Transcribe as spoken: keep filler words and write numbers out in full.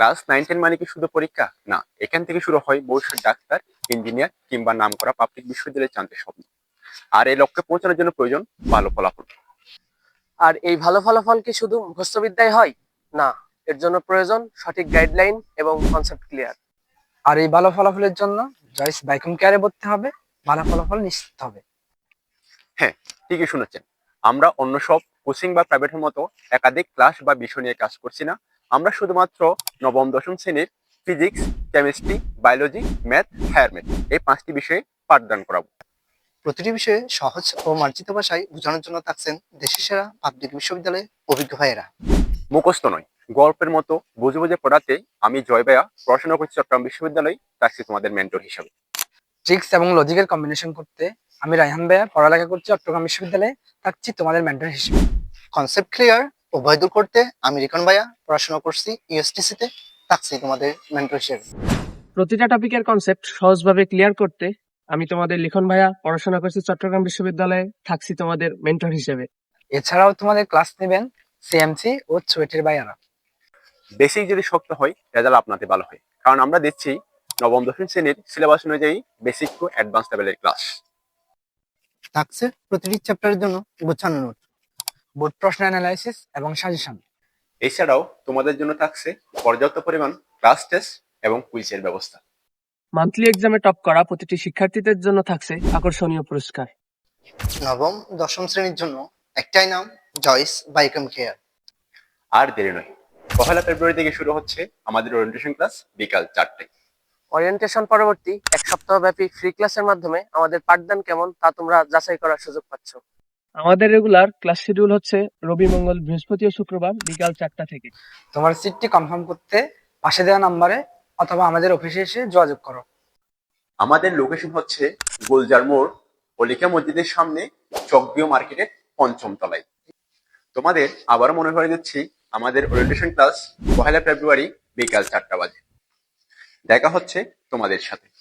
Class nine ten মানে কি শুধু পরীক্ষা না, এখান থেকে শুরু হয় ভবিষ্যৎ ডাক্তার, ইঞ্জিনিয়ার কিংবা নামকরা পাবলিক বিশ্ববিদ্যালয়ে চান্সের স্বপ্ন। আর এই লক্ষ্যে পৌঁছানোর জন্য প্রয়োজন ভালো ফলাফল। আর এই ভালো ফলাফল কি শুধু মুখস্থবিদ্যায় হয়? না, এর জন্য প্রয়োজন সঠিক গাইডলাইন এবং কনসেপ্ট ক্লিয়ার। আর এই ভালো ফলাফলের জন্য জয়েস বাইকম কেয়ারে ভর্তি হবে, ভালো ফলাফল নিশ্চিত হবে। হ্যাঁ, ঠিকই শুনেছেন। আমরা অন্য সব কোচিং বা প্রাইভেটের মতো একাধিক ক্লাস বা বিষয় নিয়ে কাজ করছি না। আমরা শুধুমাত্র নবম দশম শ্রেণীর physics, chemistry, biology, math, higher math এই পাঁচটি বিষয়ে পাঠদান করাবো। প্রতিটি বিষয়ে সহজ ও মার্জিত ভাষায় বোঝানোর জন্য থাকছেন দেশের সেরা পাবলিক বিশ্ববিদ্যালয়ে অভিজ্ঞ ভাইয়েরা। মুখস্থ নয়, গল্পের মতো বুঝে বুঝে পড়াতে আমি জয় ভাইয়া পড়াশোনা করছি চট্টগ্রাম বিশ্ববিদ্যালয়ে, থাকছি তোমাদের মেন্টর হিসাবে। ট্রিক্স এবং লজিকের কম্বিনেশন করতে আমি রায়হান ভাইয়া পড়ালেখা করছি চট্টগ্রাম বিশ্ববিদ্যালয়ে, থাকছি তোমাদের মেন্টর হিসেবে। কনসেপ্ট ক্লিয়ার ও ভয় দূর করতে আমি রিকন ভাইয়া পড়াশোনা করছি ইউএসটিসি তে, থাকছি তোমাদের মেন্টর হিসেবে। প্রতিটা টপিকের কনসেপ্ট সহজভাবে ক্লিয়ার করতে আমি তোমাদের লিখন ভাইয়া পড়াশোনা করছি চট্টগ্রাম বিশ্ববিদ্যালয়ে, থাকছি তোমাদের মেন্টর হিসেবে। এছাড়াও তোমাদের ক্লাস নেবেন সিএমসি ও চুয়েটের ভাইয়ারা। বেসিক যদি শক্ত হয়, রেজাল্ট আপনাতে ভালো হয়, কারণ আমরা দিচ্ছি নবম দশম শ্রেণীর সিলেবাস অনুযায়ী বেসিক টু অ্যাডভান্স লেভেলের ক্লাস। থাকছে প্রতিটি চ্যাপ্টারের জন্য গোছানো নোট, বোর্ড প্রশ্ন অ্যানালাইসিস এবং সাজেশন। এছাড়াও তোমাদের জন্য থাকছে পর্যাপ্ত পরিমাণ ক্লাস টেস্ট এবং কুইজের ব্যবস্থা। মান্থলি এক্সামে টপ করা প্রতিটি শিক্ষার্থীদের জন্য থাকছে আকর্ষণীয় পুরস্কার। নবম দশম শ্রেণীর জন্য একটাই নাম, জয়েস বাইকম কেয়ার। আর দেরি নয়, পহেলা ফেব্রুয়ারি থেকে শুরু হচ্ছে আমাদের ওরিয়েন্টেশন ক্লাস বিকাল চারটায়। ওরিয়েন্টেশন পরবর্তী এক সপ্তাহ ব্যাপী ফ্রি ক্লাসের মাধ্যমে আমাদের পাঠদান কেমন তা তোমরা যাচাই করার সুযোগ পাচ্ছ। আমাদের রেগুলার ক্লাস শিডিউল হচ্ছে রবি, মঙ্গল, বৃহস্পতি ও শুক্রবার বিকাল চারটা থেকে। তোমার সিটটি কনফার্ম করতে পাশে দেওয়া নাম্বারে অথবা আমাদের অফিসে এসে যোগাযোগ করো। আমাদের লোকেশন হচ্ছে গুলজার মোড়, অলিকা মসজিদের সামনে, চকবিও মার্কেটের পঞ্চম তলায়। তোমাদের আবারও মনে করে দিচ্ছি, আমাদের ওরিয়েন্টেশন ক্লাস পহেলা ফেব্রুয়ারি বিকাল চারটা বাজে। দেখা হচ্ছে তোমাদের সাথে।